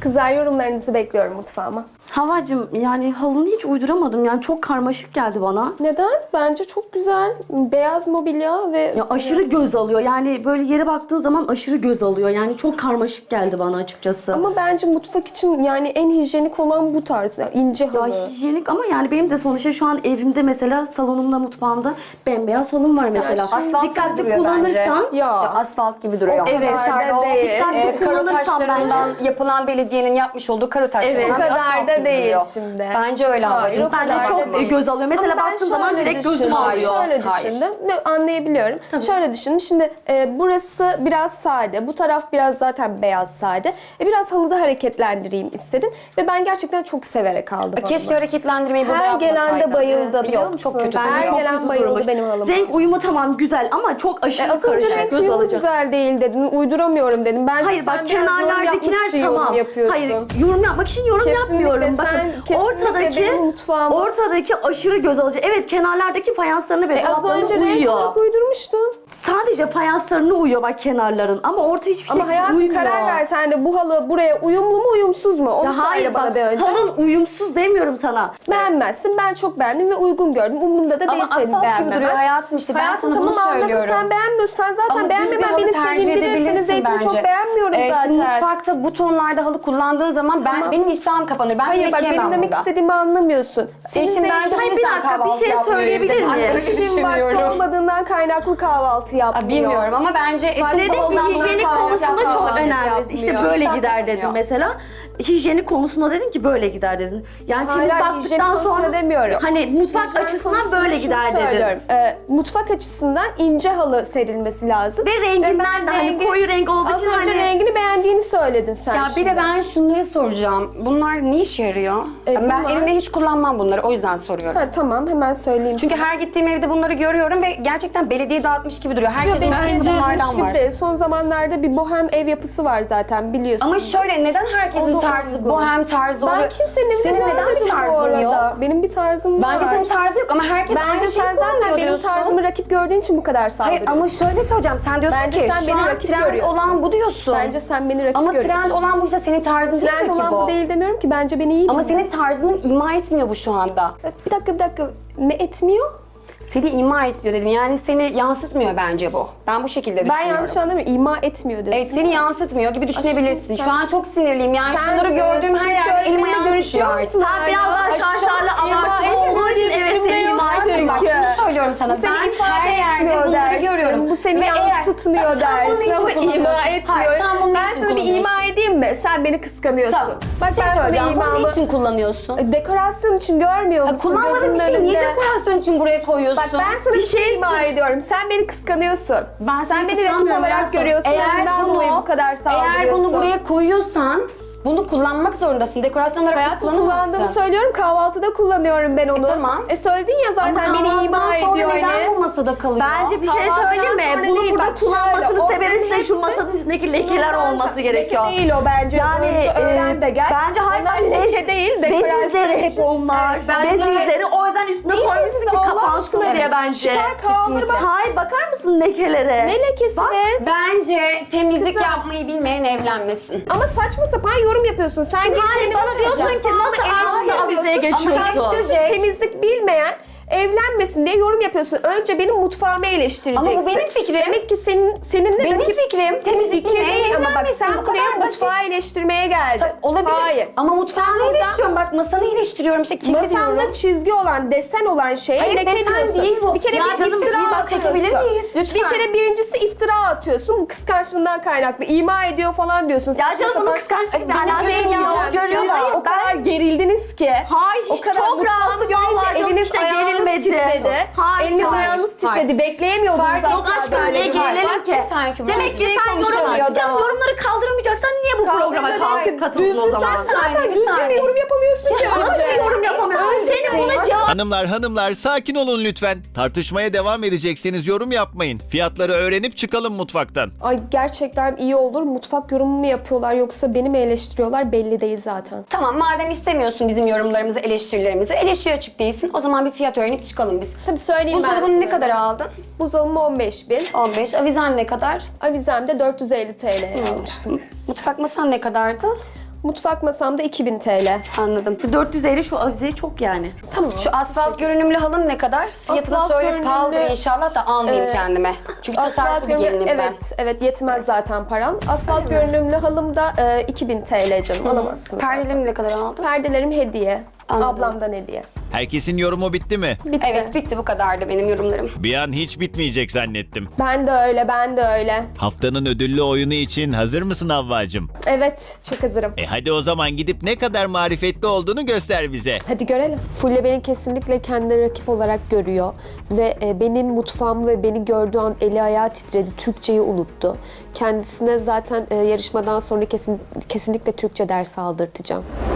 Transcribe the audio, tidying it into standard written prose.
Kızlar yorumlarınızı bekliyorum mutfağıma. Havacığım yani halını hiç uyduramadım yani çok karmaşık geldi bana. Neden? Bence çok güzel. Beyaz mobilya ve... Ya aşırı göz alıyor yani böyle yere baktığın zaman aşırı göz alıyor yani çok karmaşık geldi bana açıkçası. Ama bence mutfak için yani en hijyenik olan bu tarz. Yani ince Ya halı. hijyenik ama yani benim de sonuçta şu an evimde mesela salonumda mutfağımda bembeyaz halım var mesela. Asfalt Dikkatli duruyor kullanırsan bence. Ya. asfalt gibi duruyor. Evet, Dışarıda o değil. Dikkatli karo kullanırsan taşlarından yapılan belediyenin yapmış olduğu karo taşlarından Evet. O kadar asfalt da gibi değil duruyor. şimdi. Bence öyle Hayır, havacığım. o bence kadar çok da değil. göz alıyor. Mesela Ama ben baktığın zaman şöyle direkt gözüm düşündüm, alıyor. Şöyle Hayır. düşündüm. Anlayabiliyorum. Şöyle düşündüm. Şimdi burası biraz sade. Bu taraf biraz zaten beyaz sade. Biraz halıda hareketlendireyim istedim. Ve ben gerçekten çok severek aldım. Keşke hareketlendirmeyi burada Her gelen de yapmasaydın. bayıldı biliyor Yok, musun? çok kötü. Her Çok gelen kötü bayıldı durmuş. benim halıma. Renk uyumu tamam güzel ama çok aşırı Az önce karışık, renk göz uyumu alacak. güzel değil dedin. Uyduramıyorum dedim. Bence Hayır sen bak biraz yorum yapmak kenarlardakiler için yorum tamam. yapıyorsun. Hayır yorum yapmak için yorum Kesinlikle, yapmıyorum. sen Bakın kesinlikle benim mutfağıma- ortadaki aşırı göz alıcı. Evet kenarlardaki fayanslarını ve Az dolaplarına önce renk uyuyor. olarak uydurmuştun. Sadece fayanslarına uyuyor bak kenarların ama orta hiçbir şey Ama hayatım uymuyor. karar ver sen de bu halı buraya uyumlu mu uyumsuz mu? Onu Ya söyle hayır bana bak bir önce. halın uyumsuz demiyorum sana. Beğenmezsin. Ben çok beğendim ve uygun gördüm. Umurumda da değil Ama senin asfalt gibi beğenmemen. duruyor hayatım işte. Ben Hayatım sana bunu tamam anladım. söylüyorum. Sen beğenmiyorsun. Sen zaten Ama beğenmemen düz bir beni halı tercih sevindirir. Senin edebilirsin zevkini bence. çok beğenmiyorum zaten. Şimdi mutfakta bu tonlarda halı kullandığın zaman benim iştahım kapanır. Ben Hayır yemek bak yemem benim demek burada. istediğimi anlamıyorsun. Senin Eşim zevkin- bence bu Hayır, bir yüzden dakika, bir kahvaltı şey yapmıyor söyleyebilir evde. Ben miyim? öyle Eşim vakti düşünüyorum. olmadığından kaynaklı kahvaltı yapmıyor. Bilmiyorum ama bence eşim Dedim koldan ki hijyenik konusunda çok kahvaltı önemli. yapmıyor. İşte böyle İştah gider kapanıyor. dedim mesela. Hijyenik konusunda dedin ki böyle gider dedin. Yani Hayır, temiz hayır, hijyenik baktıktan konusunda sonra demiyorum. hani mutfak Hijyen açısından konusunda böyle şunu gider dedin. söylüyorum. Mutfak açısından ince halı serilmesi lazım. Ve renginden ben de hani koyu renk olduğu Az için önce hani- rengini beğendiğini söyledin sen Ya bir şimdi. de ben şunları soracağım. Bunlar ne işe yarıyor? Ben bunlar- evimde hiç kullanmam bunları. O yüzden soruyorum. Ha, tamam hemen söyleyeyim. Çünkü her gittiğim evde bunları görüyorum ve gerçekten belediye dağıtmış gibi duruyor. Yok, Herkesin benim arasında bunlardan gibi var. değil. Son zamanlarda bir bohem ev yapısı var zaten biliyorsun. Ama şöyle neden herkesin Ona tarzı, uygun. bohem tarzı Ben oluyor? kimsenin evinde Senin neden görmedim bir bu tarzın arada. yok? Benim bir tarzım var. Bence senin tarzın yok ama herkes Bence aynı şeyi sen zaten kullanıyor benim diyorsun. tarzımı rakip gördüğün için bu kadar Hayır saldırıyorsun. ama şöyle söyleyeceğim. Sen diyorsun Bence ki sen şu beni an rakip trend görüyorsun. olan bu diyorsun. Bence sen beni rakip ama görüyorsun. trend olan buysa senin tarzın Trend değil ki olan bu değil demiyorum ki bence beni iyi Ama dinle. senin tarzını ima etmiyor bu şu anda. Bir dakika. Ne etmiyor? Seni ima etmiyor dedim. Yani seni yansıtmıyor bence bu. Ben bu şekilde Ben düşünüyorum. yanlış anlamıyorum. İma etmiyor diyorsun. Evet seni yansıtmıyor gibi düşünebilirsin. sen- Şu an çok sinirliyim. Yani Sen şunları gördüğüm her Türkçe yerde elim öğretmenle ayağım görüşüyor titriyor artık. musun? Sen biraz daha şarşarlı abartılı olduğu için evet seni ima ediyor. Bak şunu söylüyorum sana. Bu seni Ben ifade her yerde etmiyor bunları dersin. görüyorum. Bu seni Ve eğer- yansıtmıyor Sen bunu dersin niçin ama ima kullanıyorsun? etmiyor. Hayır, sen bunu Ben niçin sana bir kullanıyorsun? ima edeyim mi? Sen beni kıskanıyorsun. Tamam. Bak Bir şey ben sana söyleyeceğim. Bunu imamı... niçin kullanıyorsun? Dekorasyon için görmüyor musun? Kullanmadığın bir Gözünün şeyi niye önünde? dekorasyon için buraya koyuyorsun? Bak ben sana bir şey ima ediyorum. Sen beni kıskanıyorsun. Ben Sen seni beni rakip kıskanmıyorum olarak hayatım. görüyorsun. Ondan dolayı bu kadar saldırıyorsun. Eğer bunu buraya koyuyorsan bunu kullanmak zorundasın. Dekorasyon olarak Hayatım kullanamazsın. kullandığımı söylüyorum. Kahvaltıda kullanıyorum ben onu. Tamam. Söyledin ya zaten Ama beni ima kahvaltıdan sonra ediyor neden öyle. bu masada kalıyor? Bence bir şey Kahvaltıdan söyleyeyim mi? sonra Bunu değil, burada bak şöyle, kullanmasının onların sebebi de şu hepsi masanın üstündeki lekeler Bundan olması leke gerekiyor. değil o bence. Yani Önce öğren de gel. bence hayır Onlar leke değil. bez dekorasyon izleri hep için. onlar. Evet, Bez bence- izleri o yüzden üstüne Neyin koymuşsun bezisi ki Allah kapansın aşkına? diye bence. Çıkar kaldır bak. Hayır bakar mısın lekelere? Ne lekesi Bak. be? Bence temizlik Kızım. yapmayı bilmeyen evlenmesin. Ama saçma sapan yorum yapıyorsun. Sen Şimdi git hayır, benim bana diyorsun ki mutfağımı nasıl eleştirmiyorsun. avizeye geçiyorsun? Ama sen diyorsun ki temizlik bilmeyen evlenmesin diye yorum yapıyorsun. Önce benim mutfağımı eleştireceksin. Ama bu benim fikrim. Demek ki seninle Benim rakip fikrim. Temizlik fikir bilmeyen değil ama bak evlenmesin. sen Bu buraya kadar basit. mutfağı eleştirmeye geldin. Olabilir. Hayır. Ama mutfağını Sen burada- eleştiriyorum. Bak masanı eleştiriyorum. İşte kirli diyorum. Masanda çizgi olan, desen olan şeye Hayır, leke desen diyorsun. değil bu. Bir kere Ya bir canım, iftira bir bak, atıyorsun. çekebilir miyiz? Lütfen. Bir kere birincisi iftira atıyorsun. Bu kıskançlığından kaynaklı. İma ediyor falan diyorsun. Ya Saçma canım bunun sapan- kıskançlıkla Benim alakası şeyim yok. yanlış Hayır, görüyorsun. hayır, O kadar gerildiniz ki. Hayır, O hiç kadar çok mutfağımı rahatsız görünce vallahi, yok eliniz işte, ayağınız gerilmedi. titredi. Hayır, Eliniz hayır, ayağınız hayır. titredi. Bekleyemiyordunuz Fark yok asla aşkım, böyle niye bir hal. gerilelim Bak, ki? bir saniye Kübra. Demek ki Hiçbir sen konuşamayacağım. yorumları kaldıramayacaksan niye bu programa katıldın o zaman? Sen zaten Bir düzgün bir saniye. yorum yapamıyorsun ki. Nasıl yorum yapamıyorsun? Senin buna cevap... Hanımlar sakin olun lütfen. Tartışmaya devam edecekseniz yorum yapmayın. Fiyatları öğrenip çıkalım mutfaktan. Ay gerçekten iyi olur. Mutfak yorumu mu yapıyorlar yoksa beni mi eleştiriyorlar belli değil zaten. Tamam madem istemiyorsun bizim yorumlarımızı, eleştirilerimizi, eleştiri açık değilsin. O zaman bir fiyat öğrenip çıkalım biz. Tabii söyleyeyim ben Buzdolabını ne size. kadar aldın? Buzdolabı 15.000. 15. Avizen ne kadar? Avizem de 450 TL almıştım. Mutfak masan ne kadardı? Mutfak masamda 2000 TL. Anladım. Şu 450 şu avize çok yani. Tamam. Şu asfalt görünümlü halın ne kadar? Fiyatını Asfalt söyle, görünümlü, pahalıdır inşallah da almayayım kendime. Çünkü tasarruflu bir gelinim ben. Evet yetmez zaten paran. Asfalt görünümlü halım da 2000 TL canım, alamazsın. Perdelerimi ne kadar aldın? Perdelerim hediye. Anladım. Ablamdan hediye. Herkesin yorumu bitti mi? Bitti. Evet, bitti, bu kadardı benim yorumlarım. Bir an hiç bitmeyecek zannettim. Ben de öyle. Haftanın ödüllü oyunu için hazır mısın Havvacığım? Evet, çok hazırım. Hadi o zaman gidip ne kadar marifetli olduğunu göster bize. Hadi görelim. Fulya beni kesinlikle kendi rakip olarak görüyor. Ve benim mutfağımı ve beni gördüğü an eli ayağı titredi. Türkçeyi unuttu. Kendisine zaten yarışmadan sonra kesinlikle Türkçe dersi aldırtacağım.